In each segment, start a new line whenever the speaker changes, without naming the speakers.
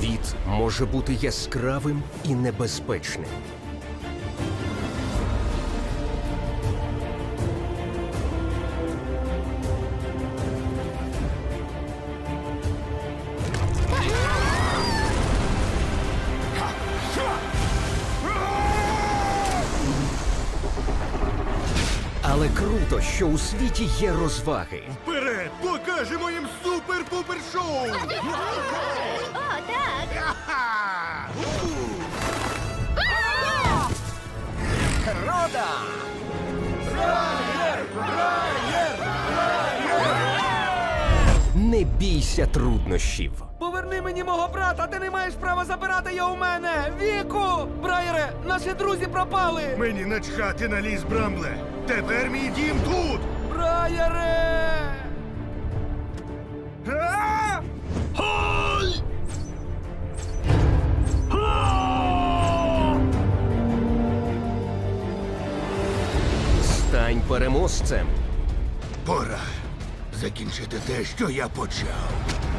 Світ може бути яскравим і небезпечним. Але круто, що у світі є розваги.
Вперед! Покажемо їм супер-пупер-шоу!
О, так!
Рода!
Не бійся труднощів.
Поверни мені мого брата, ти не маєш права забирати його у мене! Віку! Брайере, наші друзі пропали!
Мені начхати на ліс, Брамбле! Тепер мій дім тут!
Брайере!
А!
Стань переможцем.
Пора закінчити те, що я почав.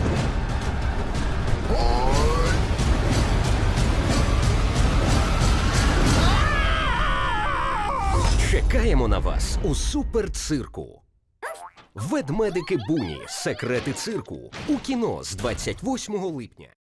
Чекаємо на вас у суперцирку. Ведмедики Буні. Секрети цирку. У кіно з 28 липня.